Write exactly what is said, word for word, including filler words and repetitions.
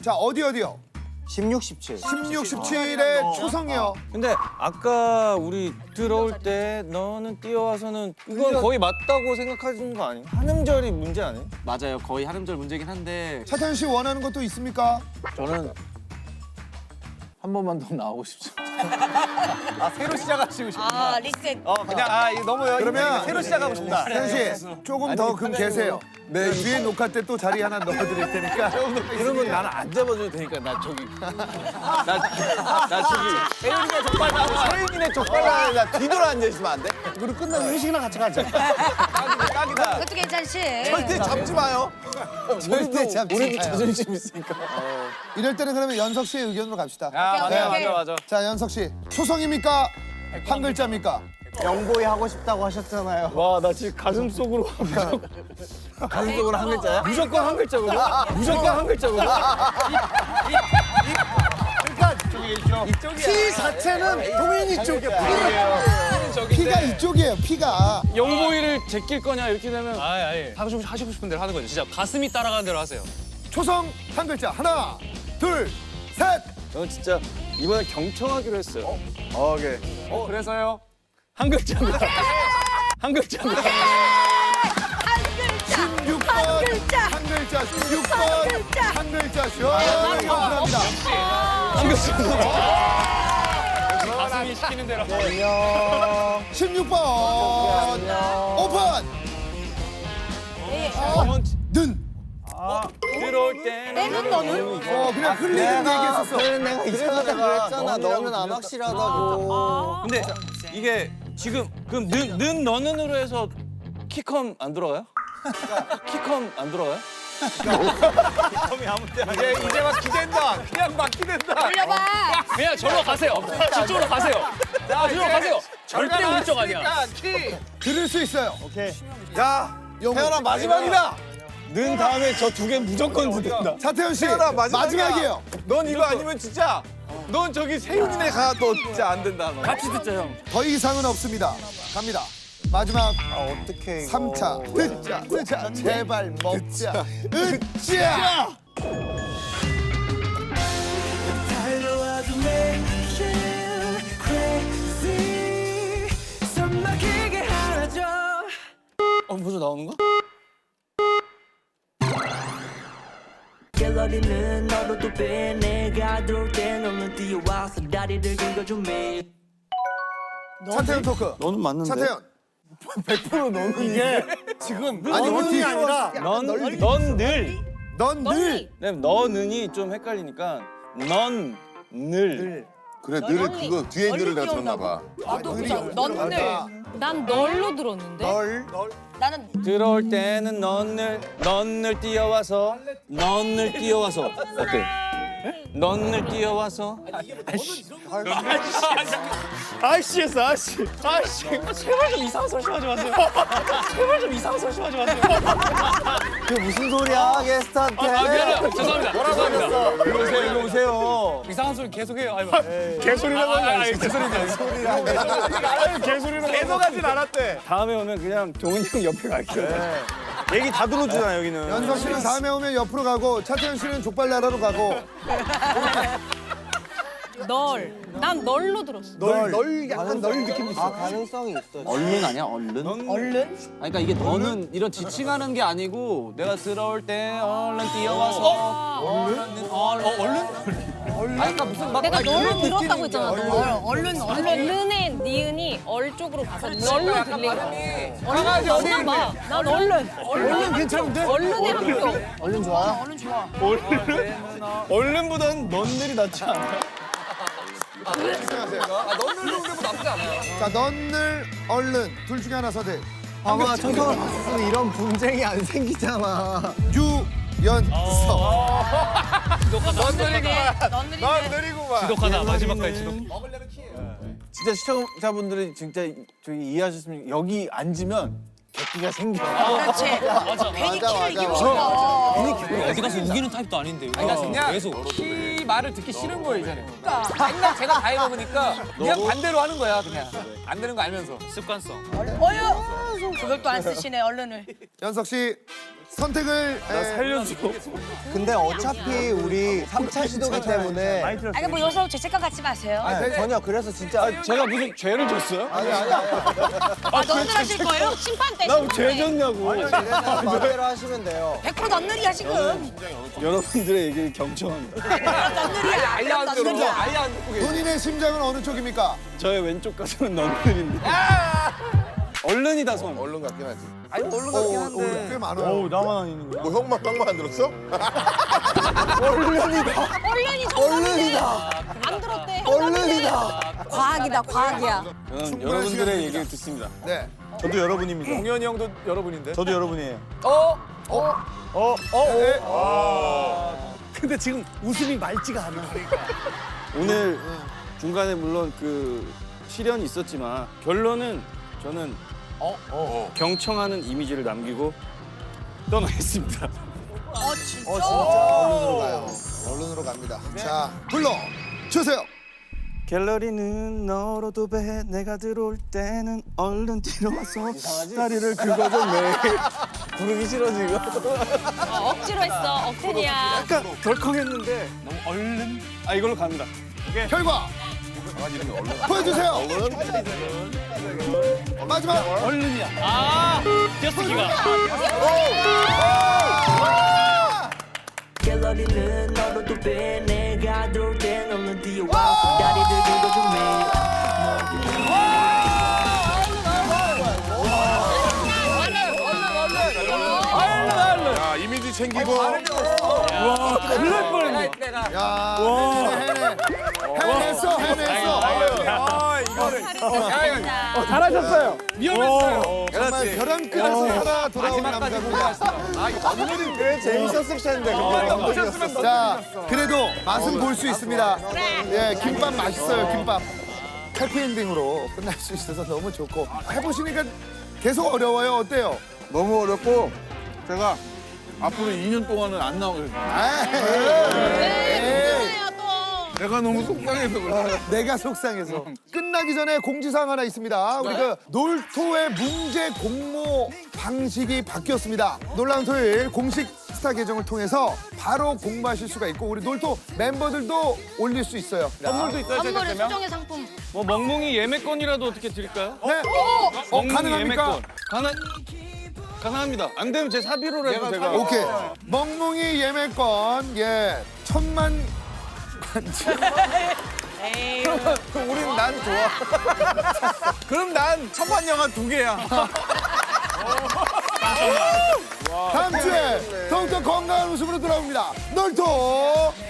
자, 어디 어디요? 십육, 십칠. 십육, 십칠에 초성이요. 근데 아까 우리 들어올 때 너는 뛰어와서는 이건 거의 맞다고 생각하시는 거 아니에요? 한 음절이 문제 아니에요? 맞아요. 거의 한 음절 문제긴 한데 차태현 씨 원하는 것도 있습니까? 저는 한 번만 더 나오고 싶죠. 아 새로 시작하시고 싶다. 아 리셋. 어 그냥 아 이거 너무 그러면 새로 시작하고 싶다. 태현 씨 조금 더 금 계세요. 네, 뒤에 녹화 때 또 자리 하나 넣어드릴 테니까. 그러면 나는 안 잡아줘도 되니까 나 저기 나, 나 저기 세윤이네 족발나. 서윤이네 족발라 나 뒤돌아 앉아 있으면 안 돼? 그리고 끝나면 회식이나 같이 가자. 딱이다 딱이다. 그것도 괜찮지. 절대 잡지 마요. 절대 잡지 우리도 마요. 자존심 있으니까. 이럴 때는 그러면 연석 씨의 의견으로 갑시다. 아 오케이, 맞아 오케이. 맞아 맞아. 자, 연석 씨 초성입니까? 한 글자입니까? 영보이 하고 싶다고 하셨잖아요. 와 나 지금 가슴 속으로 가슴 속으로 한 글자야? 무조건 한 글자거든? 무조건 한 글자거든? 피 자체는 동현이 쪽이야. 피가 이쪽이에요, 피가. 영보이를 제낄 거냐 이렇게 되면 아니 아니 하시고, 하시고 싶은 대로 하는 거죠. 진짜 가슴이 따라가는 대로 하세요. 초성 한 글자. 하나, 둘, 셋. 저는 진짜 이번에 경청하기로 했어요. 어, 오케이. 어 그래서요. 한 글자입니다. 한 글자입니다. 십육 번. 한 글자. 한 글자. 십육 번. 한 글자. 한 글자. 시원하게 오픈합니다. 한 글자입니다. 가슴이 시키는 대로. 십육 번. 오픈. 는. 들어올 때는 때는 너는. 어, 그냥 흘리는 얘기했었어. 그래서 내가 이상하다고 그랬잖아. 너는 안 확실하다고. 근데 이게 지금 그럼 는, 는 너는으로 해서 키컴 안 들어가요? 키컴 안 들어가요? 이제 이제 막 기댄다. 그냥 막 기댄다. 올려봐. 그냥 절로 가세요. 저쪽으로 가세요. 아, 저쪽으로 가세요. 절대 울적 아니야. 키. 들을 수 있어요. 야, 태연아, 마지막이다. 는 다음에 저 두 개 무조건 듣는다. 차태현 씨, 마지막이야. 마지막이에요. 넌 이거 아니면 진짜 넌 저기 세윤이네 가 너 진짜 안 된다. 너. 같이 듣자 형. 더 이상은 없습니다. 갑니다. 마지막 아, 어떡해. 이거. 삼 차. 듣자, 듣자, 제발 먹자. 으쌰! 달려와도 매일 crazy 숨 막히게 하죠. 어 벌써 나오는 거? 갤러리는 너로도 빼 내가 들어올 때 너는 뛰어와서 다리를 긁어줘 매일. 차태현 토크. 너는 맞는데. 차태현. 백 퍼센트 너는 이게 지금 아니, 어떻게 아니라 넌넌늘 넌 늘. 네, 너는이 좀 헷갈리니까 넌 늘. 그래 늘 그거 뒤에 늘을 내가 들었나 봐. 나도 그냥 넌늘. 난 널로 들었는데. 널. 나는 들어올 때는 넌늘 넌늘 뛰어와서 넌늘 뛰어와서 어때? 넌늘 뛰어와서 아이씨 했어 아이씨. 아이씨. 제발 좀 이상한 소리 좀 하지 마세요. 제발 좀 이상한 소리 좀 하지 마세요. 그 무슨 소리야, 게스트한테. 아 미안해요. 죄송합니다. 죄송합니다. 이리 오세요 이리 오세요. 이상한 소리 계속해요. 아니 개소리라고 하지 마세요. 개소리라고. 개소리라고. 계속 하진 않았대. 다음에 오면 그냥 종훈이 형 옆에 갈게요. 얘기 다 들어주잖아 여기는. 연석 씨는 다음에 오면 옆으로 가고, 차태현 씨는 족발 나라로 가고. 널. 난 널로 들었어. 널, 널 약간 널 느낌 있어. 아, 가능성이 있어. 얼른 아니야 얼른? 얼른? 아니, 그러니까 이게 너는 이런 지칭하는 게 아니고 내가 들어올 때 얼른 뛰어와서 얼른 얼 어, 얼른? 아니 그러니까 무슨 막 내가 아니, 널로 이런 들었다고 느낌이니까. 했잖아. 널. 얼른 얼른의 니은이 얼 쪽으로 가서 널로 들리고. 얼른 맞나 봐. 난 얼른. 얼른 괜찮은데? 얼른의 한 표. 얼른 좋아. 얼른 좋아. 얼른보단 넌들이 낫지 않아? 아, 너는 정도 나쁘지 않아요. 자, 넌 늘, 얼른. 둘 중에 하나 선택. 봐봐, 초성을 봤으면 이런 분쟁이 안 생기잖아. 유연석. 넌 느리구만. 넌 느리네. 넌 느리구만. 지독하다 마지막까지 지독. 먹으려면 키예요. 진짜 시청자분들이 진짜 저기 이해하셨으면 여기 앉으면 객기가 생겨. 그렇지. 괜히 맞아, 키를 이기고 맞아. 싶다. 어디 가서 우기는 타입도 아닌데. 그러니까 그냥 계속. 키 말을 듣기 싫은 거예요 이제는. 맨날 제가 다 해먹으니까 그냥 반대로 하는 거야 그냥. 안 되는 거 알면서. 습관성. 어휴. 그걸 또 안 쓰시네 얼른을. 연석 씨, 선택을 에, 살려줘. 근데 어차피 우리 삼 차 시도기 때문에 아니 뭐 여기서 죄책감 갖지 마세요. 아니, 전혀 그래서 진짜 제가 무슨 죄를 졌어요? 아니 아니 아니 아, 너희들 하실 거예요? 심판 때, 심판 죄 때. 졌냐고. 그래서 마음대로 하시면 돼요. 백 퍼센트 넌늘이야 지금. 여러분들의 얘기를 경청합니다. 넌늘이야. 아예 안 들어. 넌늘이야. 아예 안 듣고 계셔. 본인의 심장은 어느 쪽입니까? 저의 왼쪽 가슴은 넌들인데. 얼른이다 손. 얼른 같긴 하지. 아니 얼른 어, 같긴 어, 한데. 꽤 많아요. 나만 안 있는 거야? 뭐 형만 형만 안 들었어? 얼른이 정답이다. 안 들었대. 얼른이다. 과학이다, 과학이야. 저는 충분한 여러분들의 시간입니다. 얘기를 듣습니다. 네. 저도 여러분입니다. 동현이 형도 여러분인데. 저도 여러분이에요. 어? 어? 어? 네. 근데 지금 웃음이 맑지가 않아. 오늘 중간에 물론 그 시련이 있었지만 결론은 저는 경청하는 이미지를 남기고 떠나겠습니다. 어, 진짜? 어, 진짜 언론으로 가요. 언론으로 갑니다. 자, 불러 주세요. 갤러리는 너로도 배 내가 들어올 때는 얼른 뛰어와서 다리를 긁어줘 매일. 부르기 싫어 지금. 어, 억지로 했어. 억텐이야. 약간 덜컹했는데 너무 얼른. 아 이걸로 갑니다. 결과 보여주세요. 마지막 얼른이야. 갤러리는 너로도 배 내가 들어올 땐 얼른 뛰어와서 다리를 긁어줘 매일 야 이미지 챙기고. 그럴 뻔했네. 야, 해내, 해내. 해냈어, 해냈어. 잘하셨어요. 위험했어요. 정말 벼랑 끝에서 살아 돌아온 남자입니다. 그래 재밌었을 텐데. 자, 그래도 맛은 볼 수 있습니다. 예, 김밥 맛있어요, 김밥. 해피엔딩으로 끝날 수 있어서 너무 좋고 해보시니까 계속 어려워요. 어때요? 너무 어렵고 제가 앞으로 이 년 동안은 안 나오겠어요. 에이, 내가 너무 속상해서 그래. 내가 속상해서. 끝나기 전에 공지사항 하나 있습니다. 우리 그 놀토의 문제 공모 방식이 바뀌었습니다. 놀라운 토요일 공식 스타 계정을 통해서 바로 공모하실 수가 있고 우리 놀토 멤버들도 올릴 수 있어요. 선물도 있어요. 선물은 수정의 상품. 뭐 멍멍이 예매권이라도 어떻게 드릴까요? 네. 어, 멍멍이 가능합니까? 예매권. 가능 가능합니다. 안 되면 제 사비로라도 제가. 오케이. 멍멍이 예매권, 예, 천만. 에이. 우린 난 좋아. 그럼 난 천만 영화 두 개야. 다음 주에 더욱더 건강한 웃음으로 돌아옵니다. 놀토